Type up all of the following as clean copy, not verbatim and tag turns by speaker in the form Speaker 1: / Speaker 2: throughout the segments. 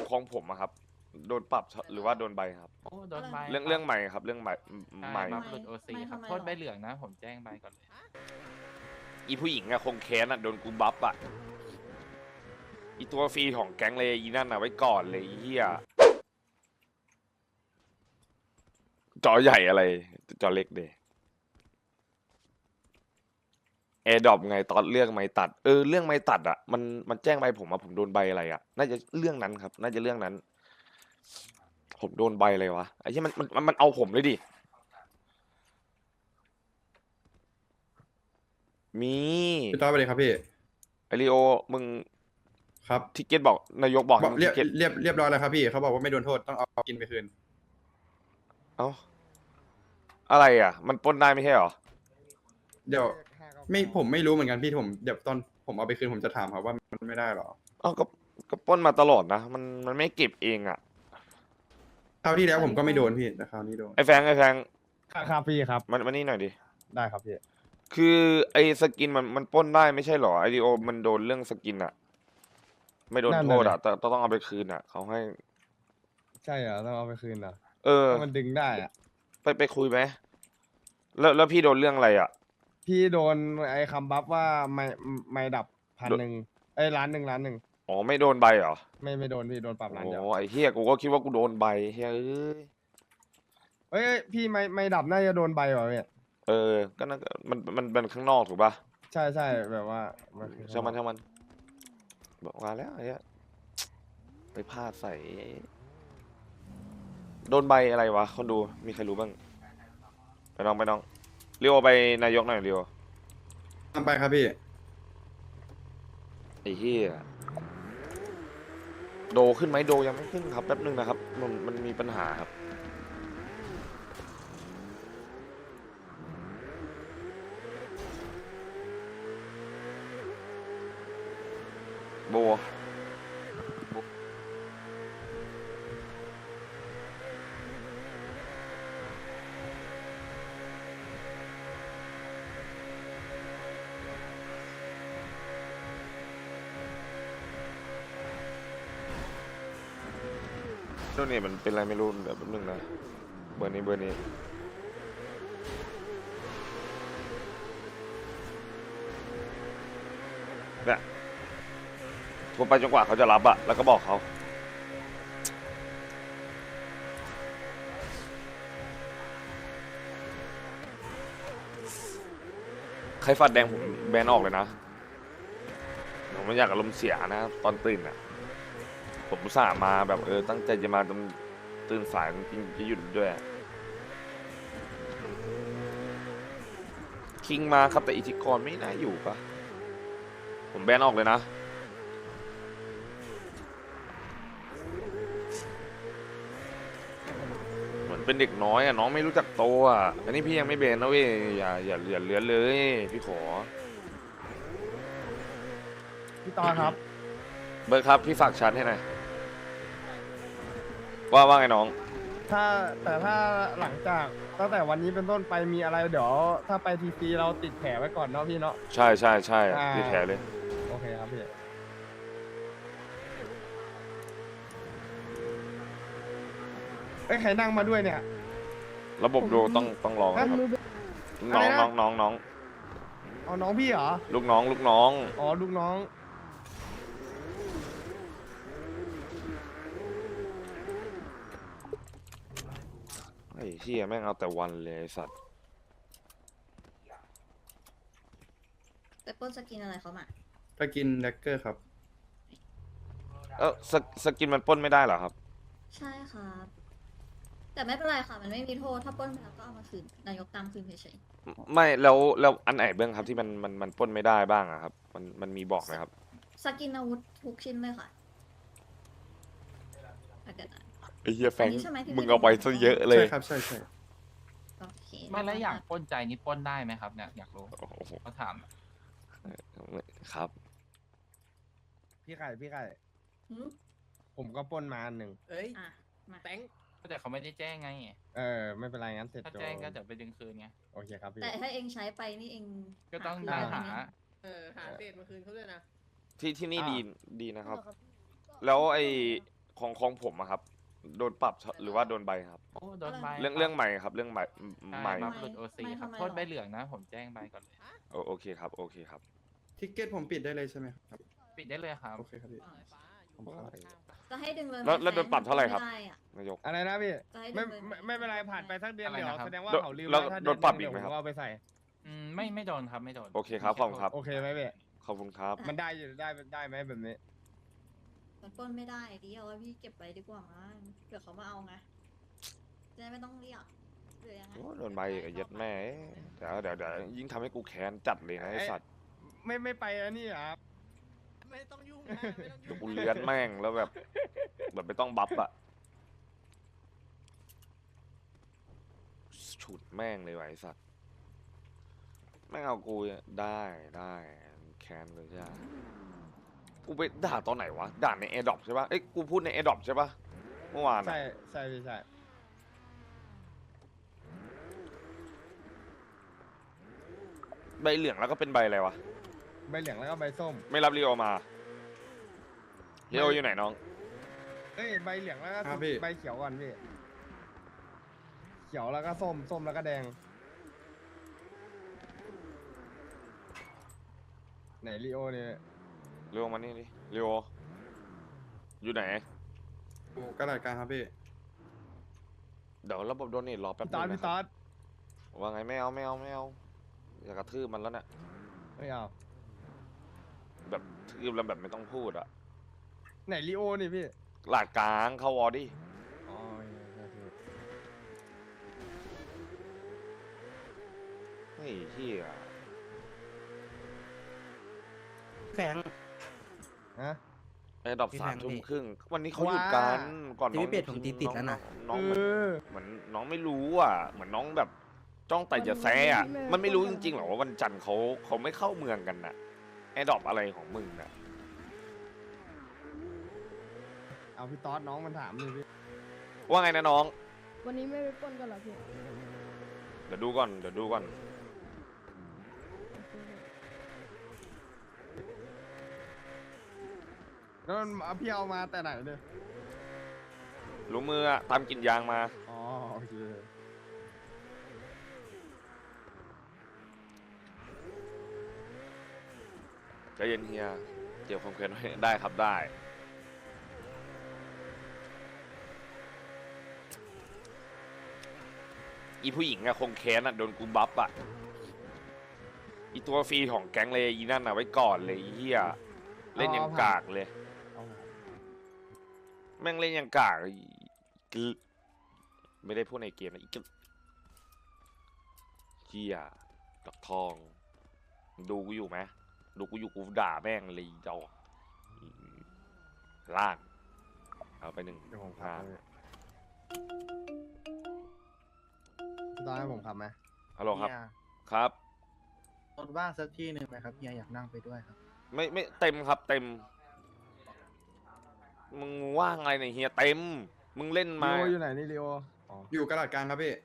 Speaker 1: ของผมอะครับโดนปรับหรือว่าโดนใบครับ
Speaker 2: โอ้โดนใบ
Speaker 1: เรื่องใหม่ครับเรื่องใหม่
Speaker 2: ใช่
Speaker 1: ใหม่
Speaker 2: บัฟหลุดโอซีครับโทษใบเหลืองนะผมแจ้งใบก่อนเลย
Speaker 1: อีผู้หญิงอะคงแค้นอะโดนกูบัฟอะอีตัวฟรีของแก๊งเลยอีนั่นอะไว้ก่อนเลยไอ้เฮียจอใหญ่อะไรจอเล็กเดแอร์ดรอปไงตอนเรื่องไม่ตัดเรื่องไม่ตัดอะมันแจ้งใบผมอะผมโดนใบอะไรอะน่าจะเรื่องนั้นครับน่าจะเรื่องนั้น ผมโดนใบอะไรวะไอ้ที่มันเอาผมเลยดิมี
Speaker 3: พี่ต้อยไปเลยครับพี่
Speaker 1: ไอริโอมึง
Speaker 3: ครับ
Speaker 1: ทิเก็ตบอกนายกบอกให้
Speaker 3: บอก
Speaker 1: มึงทิเก็ต
Speaker 3: เรียบร้อยแล้วครับพี่เขาบอกว่าไม่โดนโทษต้องเอากินไปคืน
Speaker 1: เอ้าอะไรอ่ะมันปล้นได้ไม่ใช่เหรอ
Speaker 3: เดี๋ยวผมไม่รู้เหมือนกันพี่เดี๋ยวตอนผมเอาไปคืนผมจะถามครับว่ามันไม่ได้หรอ
Speaker 1: เอ้าก็ปล้นมาตลอดนะมันไม่เก็บเองอ่ะ
Speaker 3: คราวที่แล้วผมก็ไม่โดนพี่แต่คราวนี้โดน
Speaker 1: ไอ้แฟง
Speaker 4: ครับพี่ครับ
Speaker 1: มันนี่หน่อยดิ
Speaker 4: ได้ครับพี่
Speaker 1: คือไอ้สกินมันปล้นได้ไม่ใช่เหรอไอริโอมันโดนเรื่องสกินอ่ะไม่โดนโทษอ่ะแต่ต้องเอาไปคืนอ่ะเขาให้
Speaker 4: ใช่เหรอต้องเอาไปคืนเหรอ
Speaker 1: เออ
Speaker 4: ถ้ามันดึงได้อะ
Speaker 1: ไปคุยไหมแล้วพี่โดนเรื่องอะไรอ่ะ
Speaker 4: พี่โดนไอ้คำบัฟว่าไม่ดับ1,000ไอ้1,000,000
Speaker 1: อ๋อไม่โดนใบเหรอ
Speaker 4: ไม่โดนพี่โดนปรับล้านเดียว
Speaker 1: โอ้ไอ้เฮียกูก็คิดว่ากูโดนใบเฮีย
Speaker 4: เอ้ยพี่ไม่ดับน่าจะโดนใบเหรอเนี่ย
Speaker 1: ก็น่ามันเป็นข้างนอกถูกป่ะ
Speaker 4: ใช่แบบว่ามันคือ
Speaker 1: ช่างมันบอกมาแล้วไอ้เหี้ยไปพลาดใส่โดนใบอะไรวะคนดูมีใครรู้บ้างไปน้องเรียวไปนายกหน่อยเรียว
Speaker 3: ทำไปครับพี่
Speaker 1: ไอ้เฮียโดขึ้นไหมโดยังไม่ขึ้นครับแป๊บนึงนะครับมันมีปัญหาครับโบโน่นนี่มันเป็นอะไรไม่รู้เดี๋ยวแป๊บนึงนะเบอร์นี้เนี่ยโทรไปจนกว่าเขาจะรับอะแล้วก็บอกเขาใครฟัดแดงผมแบนออกเลยนะผมไม่อยากอารมณ์เสียนะตอนตื่นอะผมอุตส่าห์มาแบบตั้งใจจะมาตื่นสายจริงๆจะหยุดด้วยคิงมาครับแต่อิทธิกรไม่น่าอยู่ปะผมแบนออกเลยนะเหมือนเป็นเด็กน้อยอะน้องไม่รู้จักโตอะอันนี้พี่ยังไม่แบนนะเว้ยอย่าเหลือเลยพี่ขอ
Speaker 4: พี่ต่อครับ
Speaker 1: เบิร์ดครับพี่ฝากชาร์จให้หน่อยว่าไงน้อง
Speaker 4: ถ้าหลังจากตั้งแต่วันนี้เป็นต้นไปมีอะไรเดี๋ยวถ้าไปทีซีเราติดแผลไว้ก่อนเนาะพี่เนาะ
Speaker 1: ใช่พี่แถเลย
Speaker 4: โอเคครับพี่เอ้ยใครนั่งมาด้วยเนี่ย
Speaker 1: ระบบโดต้องลองครับน้อง
Speaker 4: เอาน้องพี่เหรอ
Speaker 1: ลูกน้อง
Speaker 4: อ๋อลูกน้อง
Speaker 1: ไอ้เหี้ยแม่งเอาแต่วันเลยไอ้สัตว์
Speaker 5: ไปปล้นสกินอะไรเขามา
Speaker 3: ไปกินแดกเกอร์ครับ
Speaker 1: สกินมันปล้นไม่ได้เหรอครับ
Speaker 5: ใช่ครับ แต่ไม่เป็นไรค่ะ มันไม่มีโทษ ถ้าปล้นไปแล้วก็เอามาคืน นายกตามคืนเฉย
Speaker 1: ไม่แล้วอันไหนเบื้องครับที่มันปล้นไม่ได้บ้างอะครับมันมีบอกไหมครับ
Speaker 5: ๆสกินอาวุธทุกชิ้นเลยค่ะถ้าเกิดอะไร
Speaker 1: ไอ้เหี้ยแฟง
Speaker 5: อันนี้ใช่ไหมที่
Speaker 1: มึงเอาไปซะเยอะเล
Speaker 3: ใช่
Speaker 1: ย
Speaker 3: ครับใช่
Speaker 5: โอเค
Speaker 2: ไม่แล้วอย่างปล้นใจนี่ปล้นได้ไหมครับเนี่ยอยากรู้
Speaker 1: โอ้โห
Speaker 2: เขาถาม
Speaker 1: ครับ
Speaker 4: พี่ไข่
Speaker 5: หืม
Speaker 4: ผมก็ปล้นมาอันหนึ่ง
Speaker 6: เอ้ย
Speaker 5: อ่ะ มา
Speaker 6: แตง
Speaker 2: แต่เขาไม่ได้แจ้งไง
Speaker 4: ไม่เป็นไรงั้นเสร็จ
Speaker 2: ถ้า
Speaker 4: โจ
Speaker 2: แจ้งก็เดี๋ยวไปดึงคืนไง
Speaker 4: โอเคครับพี่
Speaker 5: แต่ถ้าเองใช้ไปนี่เอง
Speaker 2: ก็ต้อง
Speaker 5: คืน
Speaker 2: ได้
Speaker 5: ได้
Speaker 2: หา
Speaker 5: ไหม
Speaker 6: หาเศษมาคืนเขาด้วยนะ
Speaker 1: ที่นี่
Speaker 4: อ่า
Speaker 1: ดีนะครับ แล้วไอ้ของผมอะครับ โดนปรับหรือว่าโดนใบครับ
Speaker 2: โอ้โดนใบ
Speaker 1: เรื่องใหม่ครับ เรื่องใหม่
Speaker 2: ใช่
Speaker 1: ใหม่
Speaker 2: ครับหลุดโอซีครับ
Speaker 5: ไม่
Speaker 2: โทษใบเหลืองนะ ผมแจ้งใบก่อนเลย
Speaker 1: โอเคครับ โอเคครับ
Speaker 3: ทิกเก็ตผมปิดได้เลยใช่ไหมครับ
Speaker 2: ปิดได้เลยครับ
Speaker 3: โอเคครับพี่
Speaker 5: จะให้ดึงเลย
Speaker 1: แล้วโดนปรับเท่าไหร่ครับ
Speaker 5: ม่ด้อะ
Speaker 1: นายก
Speaker 4: อะไรนะพี่
Speaker 5: จะให้ดึ
Speaker 4: ไม่
Speaker 5: งเลย
Speaker 4: ไม่เป็นไรผ่านไปสักเดือน
Speaker 2: อะไร
Speaker 4: เดี๋ยว
Speaker 2: นะครับ
Speaker 4: แสดงว่า
Speaker 1: โดน
Speaker 4: เขาลืม
Speaker 1: แล้ว
Speaker 4: ไว้ถ้า
Speaker 1: โดนปรับอี
Speaker 4: เดื
Speaker 1: ก
Speaker 4: น
Speaker 1: ไหม
Speaker 4: เดี๋ยว
Speaker 1: ครับ
Speaker 4: ผมเอาไปใส่
Speaker 2: ไม่โดนครับไม่โดน
Speaker 1: โอเคครับขอบคุณครับ
Speaker 4: โอเคไหมพี่
Speaker 1: ขอบคุณครับ
Speaker 4: มันได้อยู่ได้ไหมแบบนี้
Speaker 5: มันปล้นไม่ได้ดิเอาไว้พี่เก็บไว้ดีกว่ามั้งเผื่อเขามาเอาไงจะได้ไม่ต้องเรียกหรือยังไง
Speaker 1: โอ้โดนใบอีกไอ้เหี้ย็ดแม่เดี๋ยวยิ่งทำให้กูแค้นจัดเลยนะไอ้สัตว์
Speaker 4: ไม่ไปอันนี้เหรอครับ
Speaker 6: ไม่ต้องยุ่งนะไม่ต้องยุ่ง
Speaker 1: กูเลือนแม่งแล้วแบบไม่ต้องบัฟอะฉุดแม่งเลยว่ะไอ้สัตว์แม่งเอากูได้แค้นเลยใช่ไหมกูไปด่าตอนไหนวะด่าในแอร์ดรอปใช่ปะเอ้ยกูพูดในแอร์ดรอปใช่ปะเมื่อวานอะ
Speaker 4: ใช่พี่ใช่
Speaker 1: ใบเหลืองแล้วก็เป็นใบอะไรวะ
Speaker 4: ใบเหลืองแล้วก็ใบส้ม
Speaker 1: ไม่รับรีโอมารีโออยู่ไหนน้อง
Speaker 4: เอ้ยใบเหลืองแล้วก็
Speaker 3: ครับพี่
Speaker 4: ใบเขียวก่อนพี่เขียวแล้วก็ส้มแล้วก็แดงไหนลีโอเนี่ย
Speaker 1: รีโอมานี่ดิรีโออยู่ไหน
Speaker 3: โอ้กระดาษกลางครับพี่
Speaker 1: เดี๋ยวระบบโดเนทรอแป๊บ
Speaker 4: พี่
Speaker 1: นึ
Speaker 4: ตอด
Speaker 1: ง
Speaker 4: พี่
Speaker 1: นะ
Speaker 4: ต
Speaker 1: ค
Speaker 4: อ
Speaker 1: รับ
Speaker 4: ด
Speaker 1: ว่าไงไม่เอาอยากกระทืบมันแล้วเนี่ย
Speaker 4: ไม่เอา
Speaker 1: แบบทืบแล้วแบบไม่ต้องพูดอะ
Speaker 4: ไหนลีโอนี่พี่
Speaker 1: หลาดกลางเข้าวอร์ดิ
Speaker 4: อ๋อโอเค
Speaker 1: เฮ้ยเฮีย
Speaker 6: แฝง
Speaker 4: ฮะ
Speaker 1: ไอ้ดอก
Speaker 6: พี่
Speaker 1: สาม
Speaker 6: แฟง
Speaker 1: ทุ่ม
Speaker 6: พี่
Speaker 1: ครึ่งวันนี้เขาหยุดกันก่อน
Speaker 6: ที่
Speaker 1: น้อง
Speaker 6: พี่เป็ดผมตีติดแล้วน่ะ
Speaker 1: น้อง
Speaker 4: เออ
Speaker 1: เหมือนน้องไม่รู้อ่ะเหมือนน้องแบบจ้องแต่จะแซ่อะมันไม่รู้จริงๆหรอว่าวันจันทร์เขาไม่เข้าเมืองกันน่ะไอ้ดอกอะไรของมึงน่ะ
Speaker 4: เอาพี่ตอดน้องมันถามเลยพี่
Speaker 1: ว่าไงนะน้อง
Speaker 7: วันนี้ไม่ไปปล้นกันเหรอพี่
Speaker 1: เดี๋ยวดูก่อน
Speaker 4: แล้วมันเอาพี่เอามาแต่ไหนเนี่ย
Speaker 1: รู้มืออะตามกลินยางมา
Speaker 4: อ๋อโอเค
Speaker 1: ใจเย็นเฮียเกี่ยวความเครียดไว้ได้ครับได้อีผู้หญิงอะคงแค้นอะโดนกูบัฟอะอีตัวฟรีของแก๊งเลยอีนั่นอะไว้ก่อนเลยไอ้เฮียเล่นยังกากเลย
Speaker 4: เอา
Speaker 1: แม่งเล่นยังกากอีกึไม่ได้พูดในเกมนะอีกึเฮียดอกทอง ดูกูอยู่ไหมดูกูอยู่กูด่าแม่งเลยเจ้าล่างเอาไปหนึ่ง
Speaker 4: เดี๋ยวผม
Speaker 1: อ่า
Speaker 4: ขับให้พี่ตอดให้ผมขับไหม
Speaker 1: ฮัลโหลครับ
Speaker 6: เฮีย
Speaker 1: ครับ
Speaker 6: รถว่างสักที่หนึ่งไหมครับเฮียอยากนั่งไปด้วยครับ
Speaker 1: ไม่เต็มครับเต็ม มึงว่างอะไรเนี่ยเฮียเต็ม มึงเล่น
Speaker 4: ลี
Speaker 1: มา
Speaker 4: โออยู่ไหนนี่ลีโออ๋อ
Speaker 3: อยู่กระดาษกลางครับพี่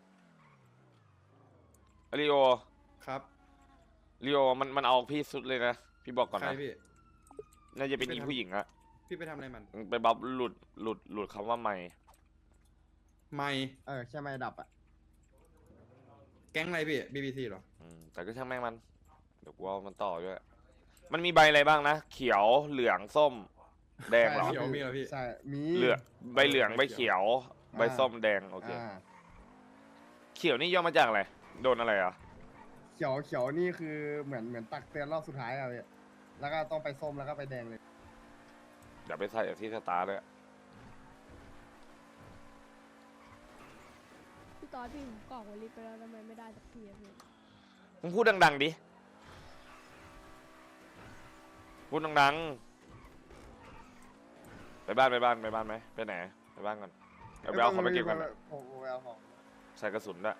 Speaker 1: ริโอ
Speaker 3: ครับ
Speaker 1: ริโอมันเอาพี่สุดเลยนะ พี่บอกก่อน
Speaker 3: ใคร
Speaker 1: นะ
Speaker 3: พี่
Speaker 1: น่าจะเป็นอีผู้หญิงอะ
Speaker 3: พี่ไปทำอะไรมัน
Speaker 1: ไปบัฟหลุดคำว่าไม่
Speaker 3: ไม่
Speaker 4: แค่ไม่ดับอ่ะ
Speaker 3: แก๊งอะไรพี่ BBC เหรอ
Speaker 1: แต่ก็ช่างแม่งมัน เดี๋ยวกูเอามันต่อด้วย มันมีใบอะไรบ้างนะ เขียวเหลืองส้ม แดงเหรอ
Speaker 3: เขียวมีเหรอพี่
Speaker 4: ใช่มี
Speaker 1: เหลืองใบเหลืองใบเขียว ใบส้มแดงโอเค เขียวนี่ย่อมาจากอะไร โดนอะไรอ่ะ
Speaker 4: เขียวนี่คือเหมือนตักเตือนรอบสุดท้ายอะพี่แล้วก็ต้องไปส้มแล้วก็ไปแดงเลย
Speaker 1: เดี๋ยวไปใส่ที่สตาร์เลย
Speaker 7: พี่ตอดพี่ผมกรอกวอลลิไปแล้วทำไมไม่ได้สักทีอะพี่
Speaker 1: มึงพูดดังๆดิ พูดดังๆ ไปบ้านไหม ไปไหน ไปบ้านก่อนเอาไปเอาของไปเก็บกัน
Speaker 4: ผมไปเอาของ
Speaker 1: ใส่กระสุนด้วย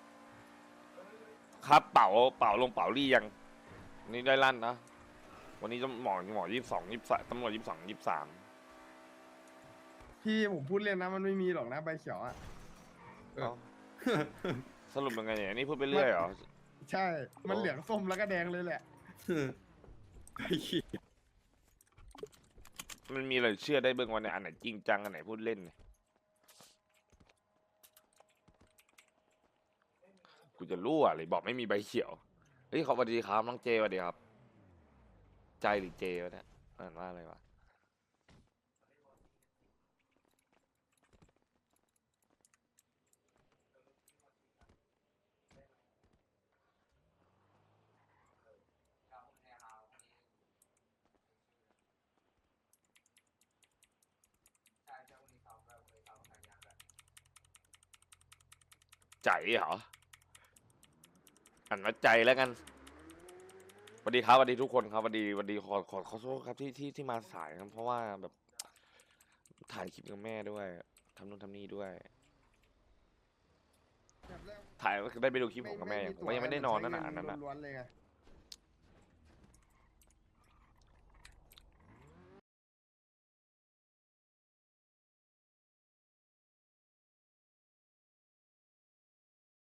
Speaker 1: ครับเป๋าลงเป๋ารี่ยัง นี่ได้ลั่นนะ วันนี้หมอ22 23ตำรวจ22 23
Speaker 4: พี่ผมพูดเล่นนะมันไม่มีหรอกนะใบเขียวอ่ะ
Speaker 3: เออ
Speaker 1: เอ้าสรุปยังไงเนี่ยนี่พูดไปเรื่อยเหรอ
Speaker 4: ใช่ มันเหลืองส้มแล้วก็แดงเลยแหละ
Speaker 3: ไอ้ขี้
Speaker 1: มันมีอะไรเชื่อได้เบื้องวันเนี่ยอันไหนจริงจังอันไหนพูดเล่นเนี่ยกูจะรู้อะไรบอกไม่มีใบเขียวเฮ้ยขอสวัสดีครับน้องเจสวัสดีครับ ใจหรือเจวะเนี่ยอ่านว่าอะไรวะใจเหรออ่านว่าใจแล้วกันสวัสดีครับสวัสดีทุกคนครับสวัสดีขอโทษครับที่มาสายครับเพราะว่าแบบถ่ายคลิปกับแม่ด้วยทำนู่นทำนี่ด้วย ถ่ายได้ไปดูคลิปผมกับแม่ยังผมก็ยังไม่ได้นอนนั่นน่ะอันนั้นน่ะ
Speaker 4: ล้วนๆเลยไง